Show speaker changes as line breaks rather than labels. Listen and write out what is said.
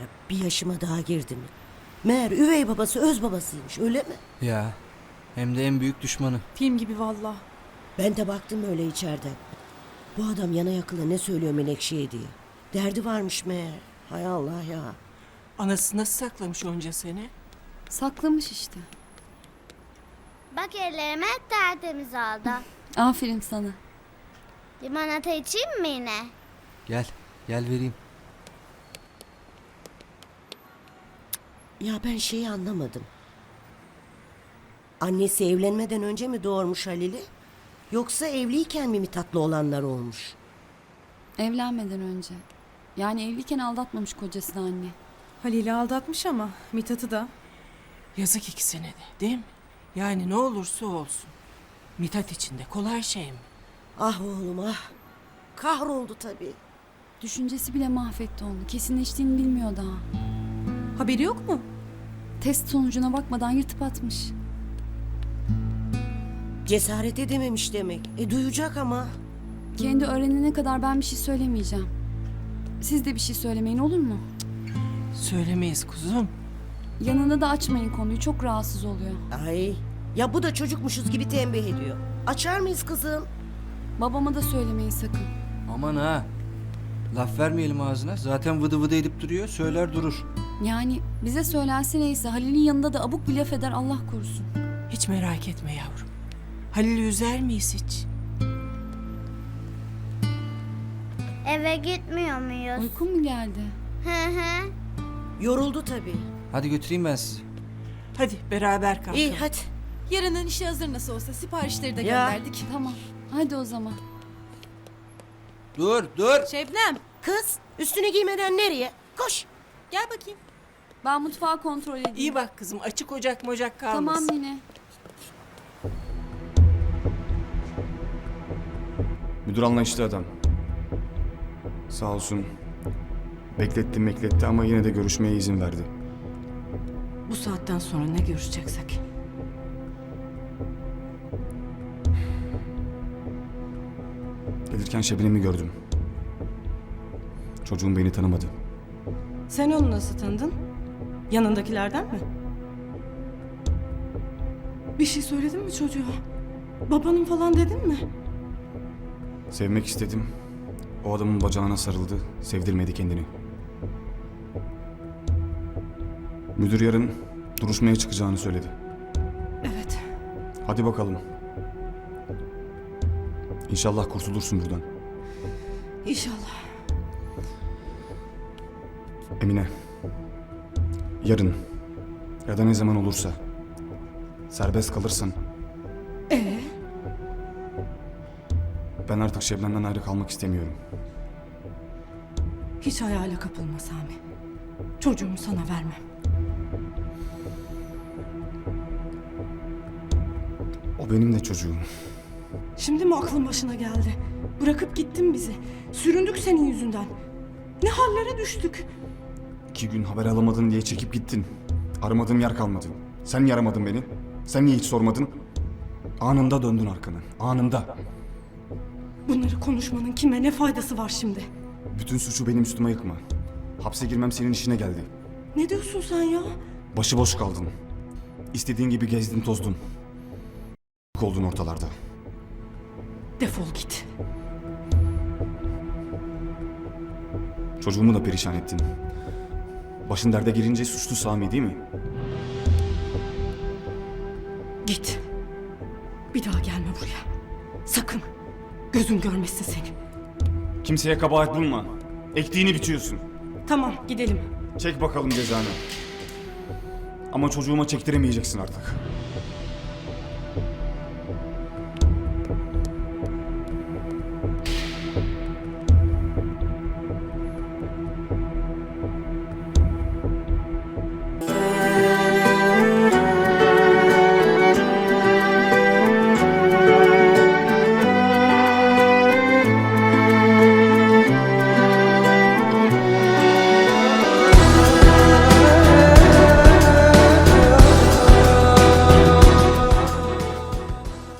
Ya bir yaşıma daha girdim. Meğer üvey babası öz babasıymış, öyle mi?
Ya hem de en büyük düşmanı.
Film gibi valla.
Ben de baktım öyle içeriden. Bu adam yana yakıla ne söylüyor Menekşe'ye diye. Derdi varmış meğer. Hay Allah ya.
Anası nasıl saklamış onca sene?
Saklamış işte.
Bak ellerime tertemiz oldu.
Aferin sana.
Limonata içeyim mi yine?
Gel vereyim.
Ya ben şeyi anlamadım. Annesi evlenmeden önce mi doğurmuş Halil'i? Yoksa evliyken mi tatlı olanlar olmuş?
Evlenmeden önce. Yani evliyken aldatmamış kocasını anne.
Halil'i aldatmış ama Mithat'ı da.
Yazık ikisine de, değil mi? Yani ne olursa olsun. Mithat için de kolay şey mi?
Ah oğlum ah. Kahroldu tabii.
Düşüncesi bile mahvetti onu. Kesinleştiğini bilmiyor daha.
Haberi yok mu?
Test sonucuna bakmadan yırtıp atmış.
Cesaret edememiş demek. Duyacak ama.
Kendi öğrenene kadar ben bir şey söylemeyeceğim. Siz de bir şey söylemeyin, olur mu?
Söylemeyiz kuzum.
Yanında da açmayın konuyu. Çok rahatsız oluyor.
Ay. Ya bu da çocukmuşuz gibi tembih ediyor. Açar mıyız kızım?
Babama da söylemeyin sakın.
Aman ha. Laf vermeyelim ağzına. Zaten vıdı vıdı edip duruyor. Söyler durur.
Yani bize söylense neyse, Halil'in yanında da abuk bir laf eder, Allah korusun.
Hiç merak etme yavrum. Halil'i üzer miyiz hiç?
Eve gitmiyor muyuz?
Uykun mu geldi?
Hı hı.
Yoruldu tabii.
Hadi götüreyim ben sizi.
Hadi beraber kalkalım.
İyi hadi.
Yarının işi hazır nasıl olsa, siparişleri de
Ya.
gönderdik.
Tamam. Hadi o zaman.
Dur.
Şebnem,
Kız üstüne giymeden nereye? Koş.
gel bakayım.
Ben mutfağı kontrol edeyim.
İyi bak kızım, açık ocak mocak kalmasın.
Tamam yine.
Müdür anlayışlı adam. Sağ olsun. Bekletti ama yine de görüşmeye izin verdi.
Bu saatten sonra ne görüşeceksek.
Gelirken Şebnem'i gördüm. Çocuğum beni tanımadı.
Sen onu nasıl tanıdın? Yanındakilerden mi? Bir şey söyledin mi çocuğa? Babanın falan dedin mi?
Sevmek istedim. O adamın bacağına sarıldı. Sevdirmedi kendini. Müdür yarın duruşmaya çıkacağını söyledi.
Evet.
Hadi bakalım. İnşallah kurtulursun buradan.
İnşallah.
Emine. Yarın ya da ne zaman olursa serbest kalırsan ben artık Şebnem'den ayrı kalmak istemiyorum.
Hiç hayale kapılma Sami. Çocuğumu sana vermem.
O benim de çocuğum.
Şimdi mi aklın başına geldi? Bırakıp gittin bizi. Süründük senin yüzünden. Ne hallere düştük.
2 gün haber alamadın diye çekip gittin. Aramadığım yer kalmadı. Sen niye aramadın beni? Sen niye hiç sormadın? Anında döndün arkanı. Anında.
Bunları konuşmanın kime ne faydası var şimdi?
Bütün suçu benim üstüme yıkma. Hapse girmem senin işine geldi.
Ne diyorsun sen ya?
Başıboş kaldın. İstediğin gibi gezdin tozdun. Oldun ortalarda.
Defol git.
Çocuğumu da perişan ettin. Başın derde girince suçlu Sami değil mi?
Git. Bir daha gelme buraya. Sakın. Gözüm görmesin seni.
Kimseye kabahat bulma. Ektiğini biçiyorsun.
Tamam gidelim.
Çek bakalım cezanı. Ama çocuğuma çektiremeyeceksin artık.